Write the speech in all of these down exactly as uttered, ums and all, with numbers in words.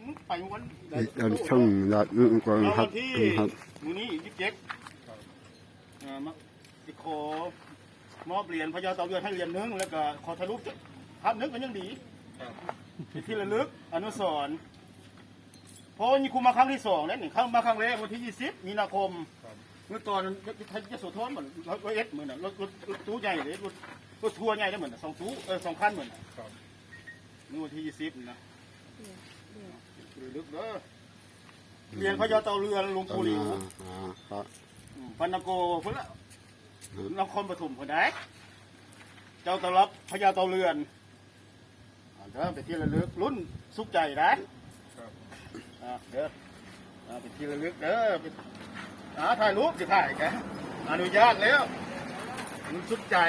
ไปวันอันช่องยอดอึ้งกองครับที่ครับมือนี้ยี่สิบเจ็ดมาสิขอมอบเหรียญพญาเต่าเรือนให้เหรียญนึงแล้วก็ขอทะลุภาพนึกมันยังดีที่ระลึกอนุสรณ์เพราะนี่ครูมาครั้งที่สองแล้วนี่ครั้งมาครั้งแรกวันที่ยี่สิบมีนาคมเมื่อตอนยะโสธรเหมือนรถเอสเหมือนรถรถรถตู้ใหญ่เลยรถรถทัวร์ใหญ่ได้เหมือนสองตู้เออสองคันเหมือนนี่วันที่ยี่สิบนะระลึกเด้อเรียนพญาเต่าเรือนหลวงปู่หลิวอ่าครับพันนโกพุ่นละนครปฐมคนใดเจ้าตลับพญาเต่าเรือนเด้อเป็นที่ระลึกรุ่นสุขใจนะเด้อเป็นที่ระลึกเด้อหาถ่ายรูปจะถ่ายแกอนุญาตแล้วรุ่นสุขใจ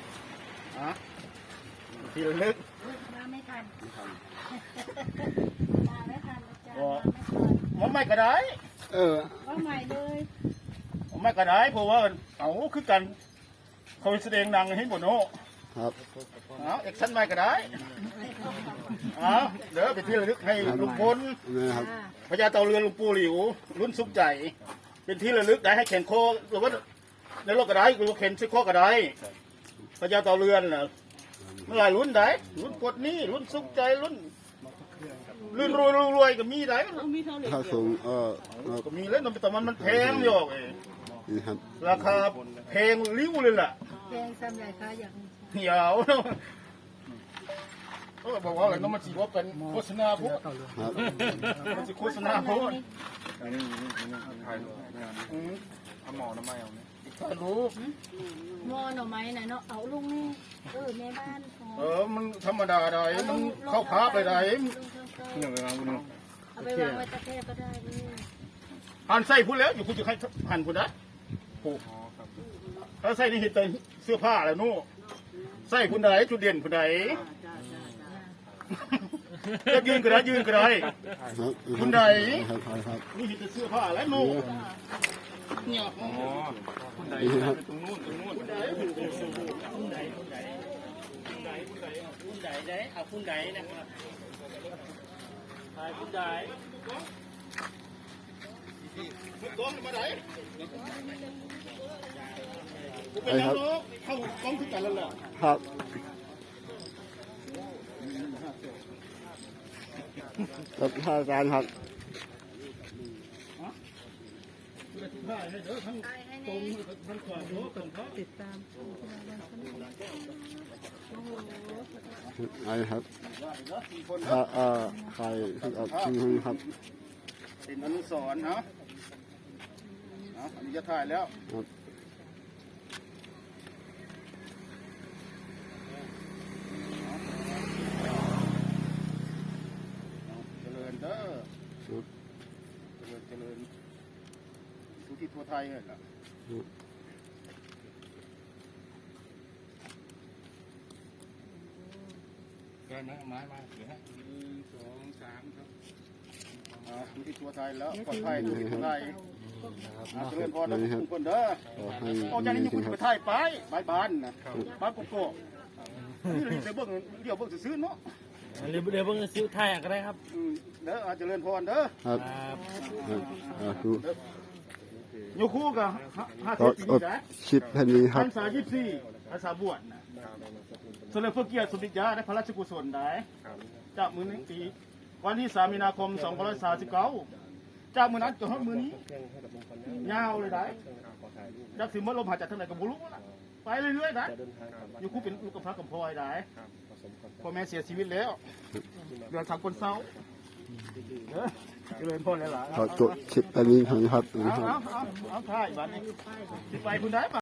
ที่ระลึกมาไม่ทันมาไม่ทันอาจารย์ว่าไม่ก็ได้เออว่าใหม่เลยไม่ก็ได้เพราะว่าเอาคือกันเขาแสดงดังให้หมดโน่ครับเอาเอกชันไม่ก็ได้เอาเดี๋ยวไปที่ระลึกให้ลุงพลนะครับพญาเต่าเรือนหลวงปู่หลิวรุ่นสุขใจเป็นที่ระลึกได้ให้แข่งโคหรือว่าในโลกก็ได้หรือว่าแข่งซิโคก็ได้พญาเต่าเรือนน่ะเมื่อไรรุ่นได้รุ่นปวดนี้รุ่นสุขใจรุ่นรุ่นรวยรวยก็มีได้ถ้าสูงเออก็มีแล้วแต่มันมันแพงอยู่เองนี่ครับราคาแพงริ้วเลยล่ะเพลงซ้ำใหญ่ค่ะอย่างเหี่ยวเนาะก็บอกว่าอะไรน้องมันจีว่าเป็นโฆษณาพวกครับมันจะโฆษณาพวกอันนี้นี่ถ่ายรูปอืมเอาหมอน้ำไม้เอาเนี่ยถ่ายรูปมอหน่อไม้ไหนเนาะเอาลุงนี่เออในบ้านของเออมันธรรมดาได้มันเข้าพาไปได้หนึ่งเวลาคุณเอาไปวางไว้ตะแคร่ก็ได้เลยหันใส่พูดแล้วอยู่คุณจะให้หันพูดนะโอ้อ๋อครับถ้าใส่นี่เห็นแต่เสื้อผ้าแล้วนู่ใส่คุณใดจุดเด่นคุณใดจะยืนก็ได้ยืนก็ได้ครับคุณใดครับครับนี่เห็นแต่เสื้อผ้าแล้วนู่เนี่ยอ๋อคุณใดนี่ครับตรงนู้นตรงนู้นคุณใดคุณใดคุณใดคุณใดคุณใดคุณใดได้เอาคุณใดนะครับถ่ายคุณใดกล้องมาไหนกูเป็นนักร้องเข้ากล้องที่กันแล้วเหรอครับครับท่านอาจารย์ครับได้ให้เด้อทั้งตรงทั้งขวาโน้ตรงเขาติดตามไอ้ครับถ้าเอ่อใครที่ออกชื่อครับเป็นอนุสรณ์เนาะอันนี้จะถ่ายแล้วครับเจริญเด้อเจริญเจริญทุกที่ทั่วไทยเลยล่ะเกินไหมไม้มาเหลือหนึ่งสองสามครับอ่าทุกที่ทั่วไทยแล้วปลอดภัยทุกที่ทั่วไทยอ่าเจริญพรนะทุกคนเด้อขอให้โอ้ยนี่คุณไปไทยไปไปบ้านนะบ้านโกโก้นี่เราจะเบิ่งเดี๋ยวเบิ่งซื้อเนาะเดี๋ยวเดี๋ยวเพิ่งซื้อไทยก็ได้ครับเด้ออาจจะเรียนพรเด้อครับครับอ่าดูโยคู่กับห้าก็สิบอปีดนะคลิปแค่นี้คพรัรบรษายี่สิบสี่พรรษาบวชนะสมเด็จพระเกียรติสมเด็จย่าได้พระราชกุศลได้จากมือนี้ปีวันที่สามมีนาคมสองพันสามสิบเก้าจากมือนั้นจนถึงมือนี้ยาวเลยได้จากสิมลมหายใจทางไหนกับบุรุษไปเรื่อยๆได้อยู่คู่เป็นลูกกับพระกับพ่อได้พ่อแม่เสียชีวิตแล้วเดือนสามคนเศร้าเด้อเจริญพรหลายๆขอจบคลิปแค่นี้ครับเอาเอาเอาเอาถ่ายบ้านนี้สิไปคุณได้ปะ